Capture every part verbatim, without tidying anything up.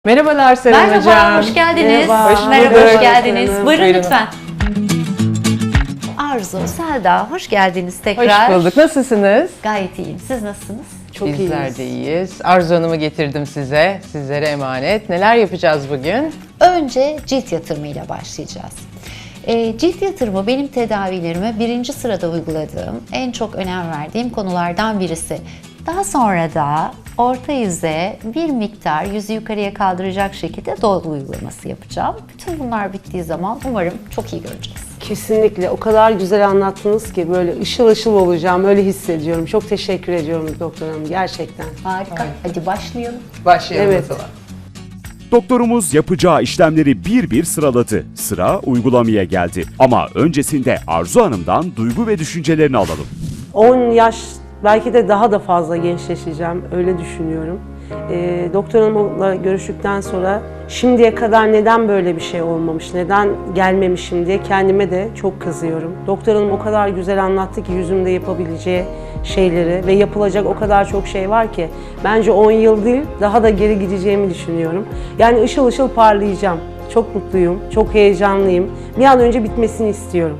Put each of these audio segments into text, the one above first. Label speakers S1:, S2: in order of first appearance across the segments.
S1: Merhabalar Seren
S2: Merhaba,
S1: Hocam.
S2: hoş geldiniz.
S1: Merhaba, hoş
S2: Merhaba,
S1: bulduk.
S2: hoş geldiniz.
S1: Buyurun,
S2: Buyurun
S1: buyurun.
S2: lütfen. Arzu, Selda, hoş geldiniz tekrar.
S1: Hoş bulduk. Nasılsınız?
S2: Gayet iyiyim. Siz nasılsınız?
S1: Çok Bizler de iyiyiz. Arzu Hanım'ı getirdim size. Sizlere emanet. Neler yapacağız bugün?
S2: Önce cilt yatırımıyla başlayacağız. E, cilt yatırımı benim tedavilerime birinci sırada uyguladığım, en çok önem verdiğim konulardan birisi. Daha sonra da orta yüze bir miktar yüzü yukarıya kaldıracak şekilde dolgu uygulaması yapacağım. Bütün bunlar bittiği zaman umarım çok iyi göreceğiz.
S3: Kesinlikle. O kadar güzel anlattınız ki böyle ışıl ışıl olacağım. Öyle hissediyorum. Çok teşekkür ediyorum doktor hanım. Gerçekten.
S2: Harika. Hadi başlayalım.
S1: Başlayalım
S3: Evet.
S1: o zaman.
S4: Doktorumuz yapacağı işlemleri bir bir sıraladı. Sıra uygulamaya geldi. Ama öncesinde Arzu Hanım'dan duygu ve düşüncelerini alalım.
S3: on yaş belki de daha da fazla gençleşeceğim. Öyle düşünüyorum. Ee, doktor hanımla görüştükten sonra şimdiye kadar neden böyle bir şey olmamış, neden gelmemişim diye kendime de çok kızıyorum. Doktor hanım o kadar güzel anlattı ki yüzümde yapabileceği şeyleri ve yapılacak o kadar çok şey var ki bence on yıl değil daha da geri gideceğimi düşünüyorum. Yani ışıl ışıl parlayacağım. Çok mutluyum, çok heyecanlıyım. Bir an önce bitmesini istiyorum.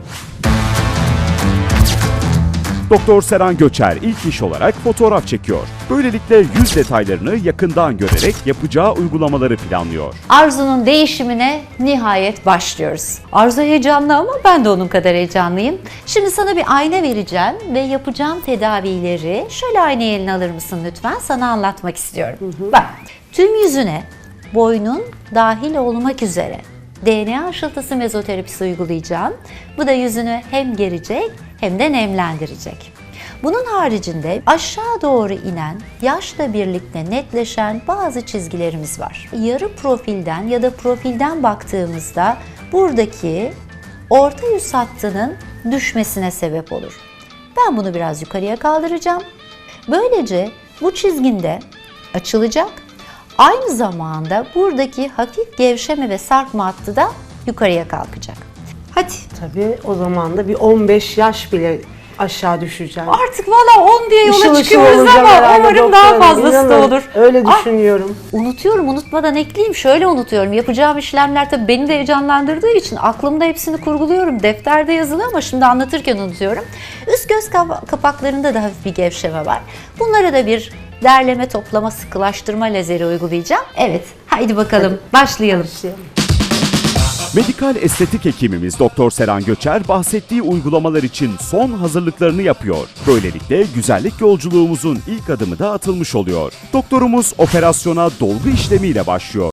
S4: Doktor Seren Göçer ilk iş olarak fotoğraf çekiyor. Böylelikle yüz detaylarını yakından görerek yapacağı uygulamaları planlıyor.
S2: Arzu'nun değişimine nihayet başlıyoruz. Arzu heyecanlı ama ben de onun kadar heyecanlıyım. Şimdi sana bir ayna vereceğim ve yapacağım tedavileri şöyle aynayı eline alır mısın lütfen? Sana anlatmak istiyorum. Bak, tüm yüzüne boynun dahil olmak üzere D N A aşılatısı mezoterapisi uygulayacağım. Bu da yüzünü hem gerecek hem de nemlendirecek. Bunun haricinde aşağı doğru inen, yaşla birlikte netleşen bazı çizgilerimiz var. Yarı profilden ya da profilden baktığımızda buradaki orta yüz hattının düşmesine sebep olur. Ben bunu biraz yukarıya kaldıracağım. Böylece bu çizginde açılacak. Aynı zamanda buradaki hafif gevşeme ve sarkma hattı da yukarıya kalkacak. Hadi.
S3: Tabii o zaman da bir on beş yaş bile aşağı düşeceğim.
S2: Artık valla on diye yola
S3: Işıl ışıl
S2: çıkıyoruz
S3: olacağım
S2: ama
S3: herhalde
S2: umarım daha
S3: doktor hanım.
S2: fazlası da
S3: İnanın,
S2: olur.
S3: Öyle
S2: Ah,
S3: düşünüyorum.
S2: unutuyorum, unutmadan ekleyeyim. Şöyle unutuyorum. Yapacağım işlemler tabii beni de heyecanlandırdığı için aklımda hepsini kurguluyorum. Defterde yazılı ama şimdi anlatırken unutuyorum. Üst göz kapa- kapaklarında da hafif bir gevşeme var. Bunlara da bir derleme, toplama, sıkılaştırma lazeri uygulayacağım. Evet, haydi bakalım başlayalım.
S4: Medikal estetik hekimimiz Doktor Seren Göçer bahsettiği uygulamalar için son hazırlıklarını yapıyor. Böylelikle güzellik yolculuğumuzun ilk adımı da atılmış oluyor. Doktorumuz operasyona dolgu işlemiyle başlıyor.